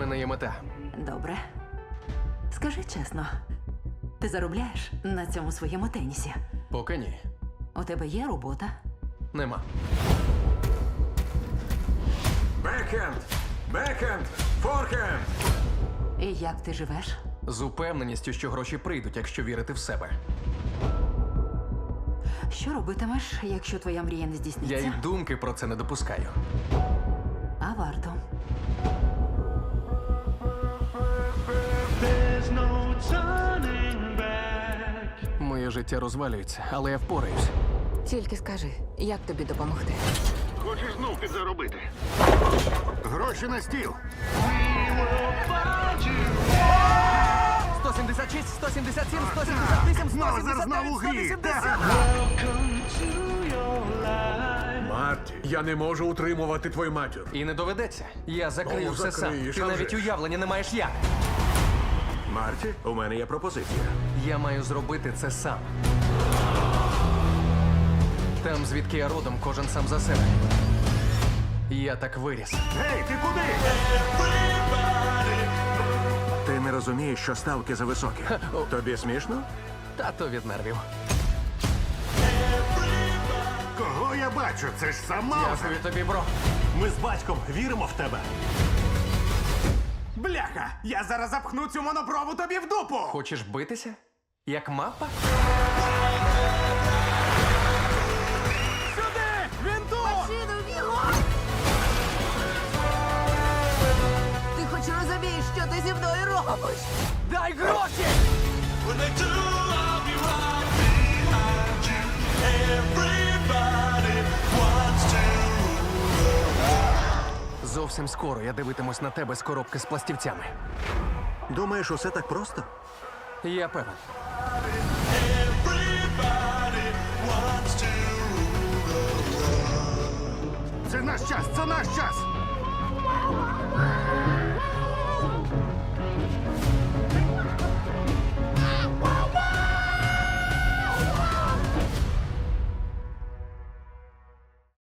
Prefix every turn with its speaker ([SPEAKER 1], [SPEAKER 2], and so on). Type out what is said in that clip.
[SPEAKER 1] мене є мета.
[SPEAKER 2] Добре. Скажи чесно, ти заробляєш на цьому своєму тенісі?
[SPEAKER 1] Поки ні.
[SPEAKER 2] У тебе є робота?
[SPEAKER 1] Нема.
[SPEAKER 3] Бекхенд! Бекхенд! Форхенд!
[SPEAKER 2] І як ти живеш?
[SPEAKER 1] З упевненістю, що гроші прийдуть, якщо вірити в себе.
[SPEAKER 2] Що робитимеш, якщо твоя мрія не
[SPEAKER 1] Я
[SPEAKER 2] здійсниться?
[SPEAKER 1] й думки про це не допускаю.
[SPEAKER 2] А варто.
[SPEAKER 4] There's no turning back.
[SPEAKER 1] Моє життя розвалюється, але я впораюсь.
[SPEAKER 5] Тільки скажи, як тобі допомогти?
[SPEAKER 6] Хочеш знов підзаробити? Гроші на стіл.
[SPEAKER 1] 176, 177, 178,
[SPEAKER 6] Знову
[SPEAKER 1] 179,
[SPEAKER 6] у грі.
[SPEAKER 1] 180.
[SPEAKER 4] Welcome to your life.
[SPEAKER 3] Марті, я не можу утримувати твою матір.
[SPEAKER 1] І не доведеться. Я закрию
[SPEAKER 3] Ну,
[SPEAKER 1] все сам.
[SPEAKER 3] закриєш,
[SPEAKER 1] Ти
[SPEAKER 3] а
[SPEAKER 1] навіть
[SPEAKER 3] вже ж.
[SPEAKER 1] уявлення не маєш як.
[SPEAKER 3] Марті, у мене є пропозиція.
[SPEAKER 1] Я маю зробити це сам. Там, звідки я родом, кожен сам за себе. Я так виріс.
[SPEAKER 6] Гей, ти куди?
[SPEAKER 3] Ти не розумієш, що ставки зависокі. Тобі смішно?
[SPEAKER 1] Тато від нервів.
[SPEAKER 6] Кого я бачу? Це ж сам Маузер.
[SPEAKER 1] Дякую тобі, бро.
[SPEAKER 7] Ми з батьком віримо в тебе.
[SPEAKER 8] Бляха! Я зараз запхну цю монопрову тобі в дупу!
[SPEAKER 1] Хочеш битися? Як мапа?
[SPEAKER 8] Сюди! Він тут!
[SPEAKER 5] Ти хоч розумієш, що ти зі мною робиш?
[SPEAKER 1] Дай гроші!
[SPEAKER 4] When they do, I'll be right behind you. Everybody wants to.
[SPEAKER 1] Зовсім скоро я дивитимусь на тебе з коробки з пластівцями.
[SPEAKER 3] Думаєш, усе так просто?
[SPEAKER 1] Я певен.
[SPEAKER 4] Everybody wants to.
[SPEAKER 6] Це наш час, це наш час.